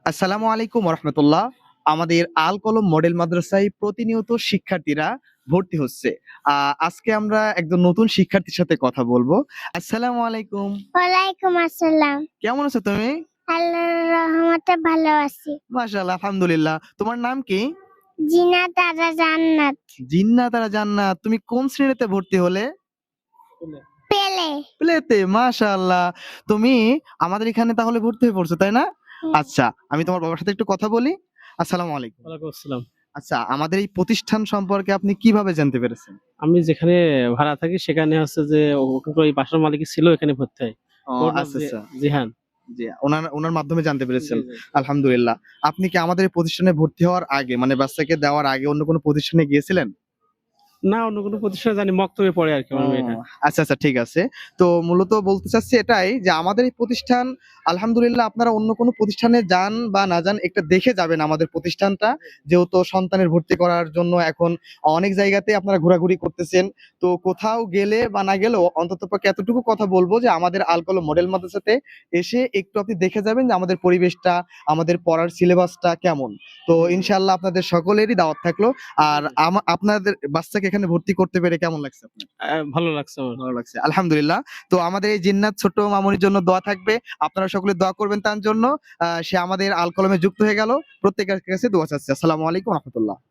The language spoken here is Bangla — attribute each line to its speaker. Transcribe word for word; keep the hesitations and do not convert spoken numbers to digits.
Speaker 1: আসসালামু আলাইকুম রহমতুল্লাহ। আমাদের আল কলম মডেল মাদ্রাসায় প্রতিনিয়ত শিক্ষার্থীরা ভর্তি হচ্ছে। আহ, আজকে আমরা একজন নতুন শিক্ষার্থীর সাথে কথা বলবো। আসসালামু আলাইকুম।
Speaker 2: ওয়ালাইকুম আসসালাম।
Speaker 1: কেমন আছো তুমি?
Speaker 2: আল্লাহর রহমতে ভালো আছি।
Speaker 1: মাশাআল্লাহ, আলহামদুলিল্লাহ। তোমার নাম কি?
Speaker 2: জিনাত আরা জান্নাত।
Speaker 1: জিন্নাত আরা জান্নাত। তুমি কোন শ্রেণীতে ভর্তি হলে?
Speaker 2: পেলে।
Speaker 1: প্লেতে। মাশাআল্লাহ। তুমি আমাদের এখানে তাহলে ভর্তি হয়ে পড়ছো, তাই না?
Speaker 2: হুম।
Speaker 1: আচ্ছা, আমি তোমার বাবার সাথে একটু কথা বলি। আসসালামু আলাইকুম।
Speaker 3: ওয়ালাইকুম আসসালাম।
Speaker 1: আচ্ছা, আমাদের এই প্রতিষ্ঠান সম্পর্কে আপনি কিভাবে জানতে পেরেছেন?
Speaker 3: আমি যেখানে ভাড়া থাকি সেখানে হচ্ছে যে ওখানকার ওই বাসার মালিক ছিল, এখানে ভর্তি হয়।
Speaker 1: ও
Speaker 3: ওর নাম
Speaker 1: আচ্ছা,
Speaker 3: জি
Speaker 1: আচ্ছা।
Speaker 3: জিহান।
Speaker 1: জি, উনার উনার মাধ্যমে জানতে
Speaker 3: জি,
Speaker 1: পেরেছেন।
Speaker 3: জি।
Speaker 1: আলহামদুলিল্লাহ। আপনি কি আমাদের এই প্রতিষ্ঠানে ভর্তি হওয়ার আগে মানে বাচ্চাকে দেওয়ার আগে অন্য কোনো প্রতিষ্ঠানে গিয়েছিলেন?
Speaker 3: না, অন্য কোনো প্রতিষ্ঠানে জানি মক্তবে পড়ে আরকি
Speaker 1: ও
Speaker 3: আমার মেয়েটা।
Speaker 1: আচ্ছা, আচ্ছা, ঠিক আছে। তো মূলত বলতে চাচ্ছি এটাই যে আমাদের এই প্রতিষ্ঠান আলহামদুলিল্লাহ, আপনারা অন্য কোনো প্রতিষ্ঠানে যান বা না যান একটা দেখে যাবেন আমাদের প্রতিষ্ঠানটা। যেহেতু সন্তানের ভর্তি করার জন্য এখন অনেক জায়গাতে আপনারা ঘোরাঘুরি করতেছেন। তো কোথাও গেলে বা না গেলেও অন্ততপক্ষে এতটুকু কথা বলব যে আমাদের আল কলম মডেল মাদ্রাসাতে এসে একটু আপনি দেখে যাবেন যে আমাদের পরিবেশটা, আমাদের পড়ার সিলেবাসটা কেমন। তো
Speaker 3: জি, জি।
Speaker 1: ইনশাআল্লাহ আপনাদের সকলেরই দাওয়াত থাকলো। আর আমা আপনাদের বাচ্চাকে এখানে ভর্তি করতে পেরে কেমন লাগছে আপনার?
Speaker 3: আ ভালো লাগছে আমার।
Speaker 1: ভালো লাগছে। আলহামদুলিল্লাহ। তো আমাদের এই জিন্নাত ছোট্ট মামুনির জন্য দোয়া থাকবে। আপনারা সকলে দোয়া করবেন তার জন্য। আ সে আমাদের আল কলমে যুক্ত হয়ে গেল। প্রত্যেকের কাছে দোয়া চাচ্ছি। আসসালামু আলাইকুম ওয়া রাহমাতুল্লাহ।